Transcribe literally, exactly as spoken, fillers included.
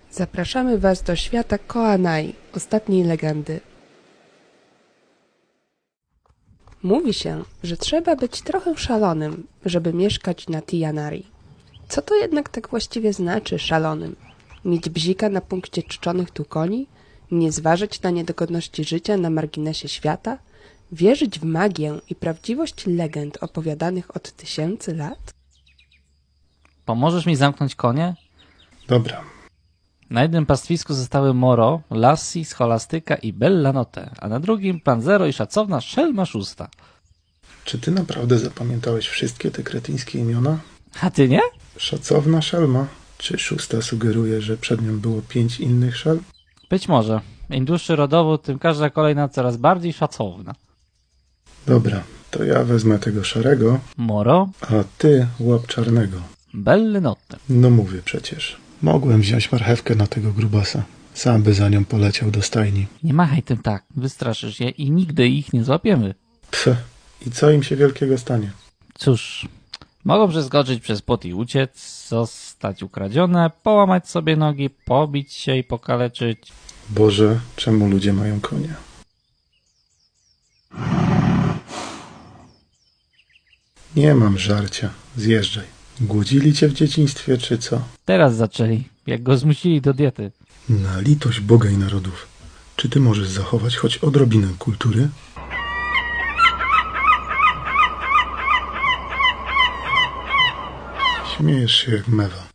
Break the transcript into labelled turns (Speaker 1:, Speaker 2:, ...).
Speaker 1: Zapraszamy Was do świata Koanai, ostatniej legendy. Mówi się, że trzeba być trochę szalonym, żeby mieszkać na Tijanari. Co to jednak tak właściwie znaczy szalonym? Mieć bzika na punkcie czczonych tu koni? Nie zważać na niedogodności życia na marginesie świata? Wierzyć w magię i prawdziwość legend opowiadanych od tysięcy lat?
Speaker 2: Pomożesz mi zamknąć konie?
Speaker 3: Dobra.
Speaker 2: Na jednym pastwisku zostały Moro, Lassi, Scholastyka i Bellanotte, a na drugim Panzero i szacowna Szelma Szósta.
Speaker 3: Czy ty naprawdę zapamiętałeś wszystkie te kretyńskie imiona?
Speaker 2: A ty nie?
Speaker 3: Szacowna Szelma. Czy szósta sugeruje, że przed nią było pięć innych szel?
Speaker 2: Być może. Im dłuższy rodowód, tym każda kolejna coraz bardziej szacowna.
Speaker 3: Dobra, to ja wezmę tego szarego,
Speaker 2: Moro,
Speaker 3: a ty łap czarnego.
Speaker 2: Bellanotte.
Speaker 3: No mówię przecież. Mogłem wziąć marchewkę na tego grubasa. Sam by za nią poleciał do stajni.
Speaker 2: Nie machaj tym tak, wystraszysz je i nigdy ich nie złapiemy.
Speaker 3: Pff, i co im się wielkiego stanie?
Speaker 2: Cóż, mogą przeskoczyć przez płot i uciec, zostać ukradzione, połamać sobie nogi, pobić się i pokaleczyć.
Speaker 3: Boże, czemu ludzie mają konie? Nie mam żarcia. Zjeżdżaj. Głodzili cię w dzieciństwie, czy co?
Speaker 2: Teraz zaczęli, jak go zmusili do diety.
Speaker 3: Na litość Boga i narodów. Czy ty możesz zachować choć odrobinę kultury? Śmiejesz się jak mewa.